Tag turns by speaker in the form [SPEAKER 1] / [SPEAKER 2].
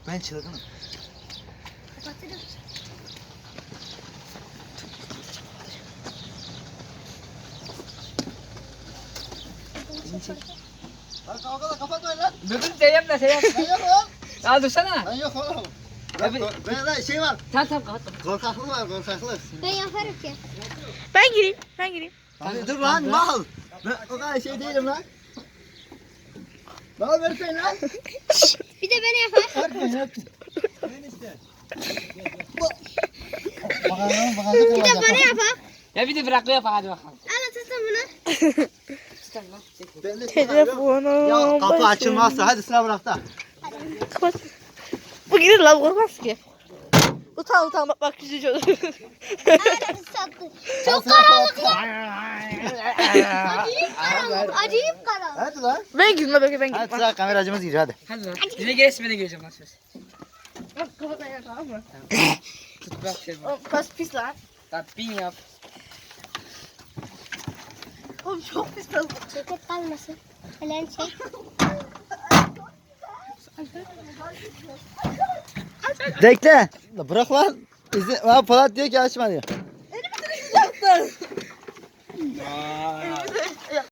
[SPEAKER 1] Ben çılgınım.
[SPEAKER 2] Kapatırım.
[SPEAKER 1] Lan kavgalar kapatmayın lan.
[SPEAKER 3] Dur Seyyap da Seyyap.
[SPEAKER 1] Ben yok oğlum.
[SPEAKER 3] Ya dursana.
[SPEAKER 1] Ben yok oğlum.
[SPEAKER 3] Abi-
[SPEAKER 1] Ben şey var.
[SPEAKER 3] Tamam kapat.
[SPEAKER 1] Korkaklık var korkaklık.
[SPEAKER 2] Ben yaparım ki.
[SPEAKER 4] Ben gireyim.
[SPEAKER 1] Abi dur lan mal. Ben o kadar şey değilim lan. Mal versene lan.
[SPEAKER 2] Bir de beni yapar.
[SPEAKER 1] Bakalım
[SPEAKER 2] Bir de bana yapar.
[SPEAKER 3] Ya bir de bırak yap hadi bakalım.
[SPEAKER 2] Al tutun bunu.
[SPEAKER 3] Tamam.
[SPEAKER 1] Ben de şey var.
[SPEAKER 4] Telefonum.
[SPEAKER 1] Ya kapı
[SPEAKER 4] başım.
[SPEAKER 1] açılmazsa hadi sıra bırak da.
[SPEAKER 4] Kapat. Bu girer lan korkmaz ki. Utan bak küçücük olur.
[SPEAKER 2] Ağrı sattı. Çok karanlık lan. Acayip karanlık. Acayip karanlık.
[SPEAKER 1] Hadi lan.
[SPEAKER 4] Ben girme ben
[SPEAKER 1] Hadi
[SPEAKER 4] girme.
[SPEAKER 1] sıra kameracımız giriyor hadi.
[SPEAKER 3] Hadi lan. Yine gelirse ben de geleceğim lan söz.
[SPEAKER 4] Bak kapat ayağı tamam mı?
[SPEAKER 3] Tut bırak şey bak.
[SPEAKER 4] Oğlum kas pis lan.
[SPEAKER 3] Lan bin yap.
[SPEAKER 4] Oğlum çok pis lan.
[SPEAKER 2] Ceket kalmasın. Helen çek.
[SPEAKER 1] Bekle. Bırak lan. Polat diyor ki açma diyor.
[SPEAKER 4] Yaktın.